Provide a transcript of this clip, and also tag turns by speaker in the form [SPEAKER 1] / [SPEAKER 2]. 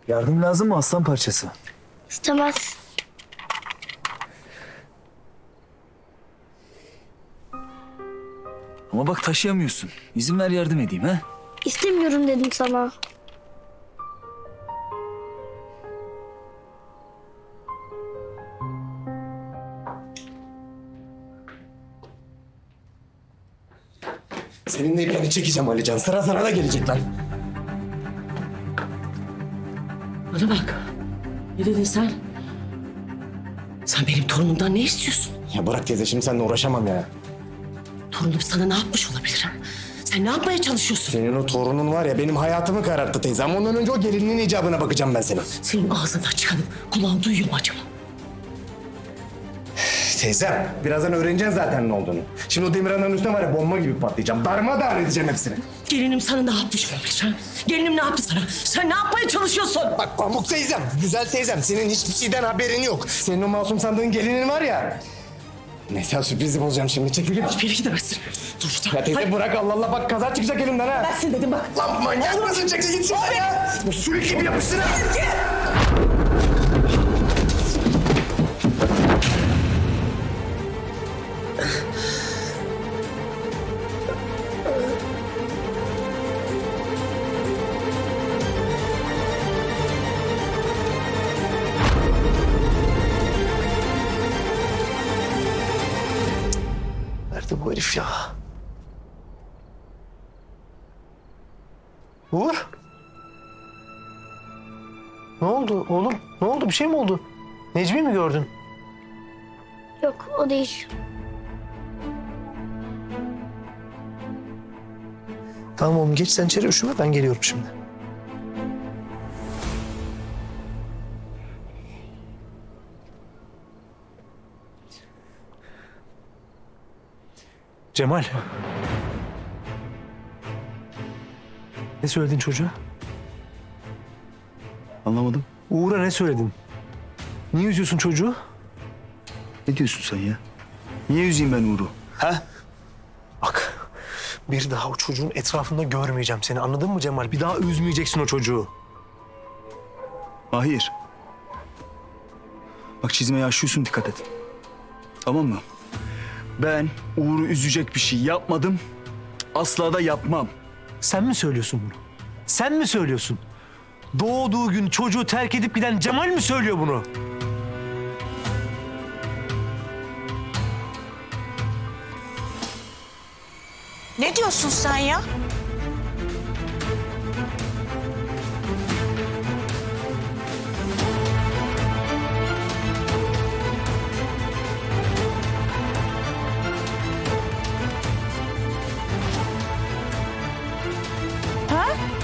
[SPEAKER 1] Yardım lazım mı aslan parçası?
[SPEAKER 2] İstemez.
[SPEAKER 1] Ama bak taşıyamıyorsun. İzin ver yardım edeyim ha.
[SPEAKER 2] İstemiyorum dedim sana.
[SPEAKER 3] Senin de ipini çekeceğim Alican. Sıra sana da gelecek lan.
[SPEAKER 4] Bana bak. Ne dedin sen? Sen benim torunumdan ne istiyorsun?
[SPEAKER 3] Ya bırak teyze, şimdi seninle uğraşamam ya.
[SPEAKER 4] Torunum sana ne yapmış olabilir ha? Sen ne yapmaya çalışıyorsun?
[SPEAKER 3] Senin o torunun var ya, benim hayatımı kararttı teyze. Ama ondan önce o gelinin icabına bakacağım ben senin.
[SPEAKER 4] Senin ağzından çıkanı kulağın duyuyor mu acaba?
[SPEAKER 3] Teyzem, birazdan öğreneceksin zaten ne olduğunu. Şimdi o Demirhan'ın üstüne var ya, bomba gibi patlayacağım. Darmadağın edeceğim hepsini.
[SPEAKER 4] Gelinim sana ne yapmış olabilir ha? Gelinim ne yaptı sana? Sen ne yapmaya çalışıyorsun?
[SPEAKER 3] Bak Pamuk teyzem, güzel teyzem. Senin hiçbir şeyden haberin yok. Senin o masum sandığın gelinin var ya. Neyse, sürprizi bozacağım şimdi. Çekil git.
[SPEAKER 4] Hiçbir yere gidemezsin. Dur.
[SPEAKER 3] Ya teyze bırak, Allah Allah, bak kaza çıkacak elimden ha.
[SPEAKER 4] Versin dedim bak.
[SPEAKER 3] Lan manyak mısın? Çekil git şuradan ya. Bu sürük gibi yapışsın ha. Nerede bu herif ya? Uğur? Ne oldu oğlum? Ne oldu? Bir şey mi oldu? Necmi mi gördün?
[SPEAKER 2] Yok o değil.
[SPEAKER 3] Tamam oğlum, geç sen içeri, üşüme, ben geliyorum şimdi.
[SPEAKER 5] Cemal. Ne söyledin çocuğa?
[SPEAKER 1] Anlamadım.
[SPEAKER 5] Uğur'a ne söyledin? Niye üzüyorsun çocuğu?
[SPEAKER 1] Ne diyorsun sen ya? Niye üzeyim ben Uğur'u? Ha?
[SPEAKER 5] Bak, bir daha o çocuğun etrafında görmeyeceğim seni. Anladın mı Cemal? Bir daha üzmeyeceksin o çocuğu.
[SPEAKER 1] Mahir. Bak çizmeye aşıyorsun, dikkat et. Tamam mı? Ben Uğur'u üzecek bir şey yapmadım. Asla da yapmam.
[SPEAKER 5] Sen mi söylüyorsun bunu? Sen mi söylüyorsun? Doğduğu gün çocuğu terk edip giden Cemal mi söylüyor bunu?
[SPEAKER 6] Ne diyorsun sen ya? Ha?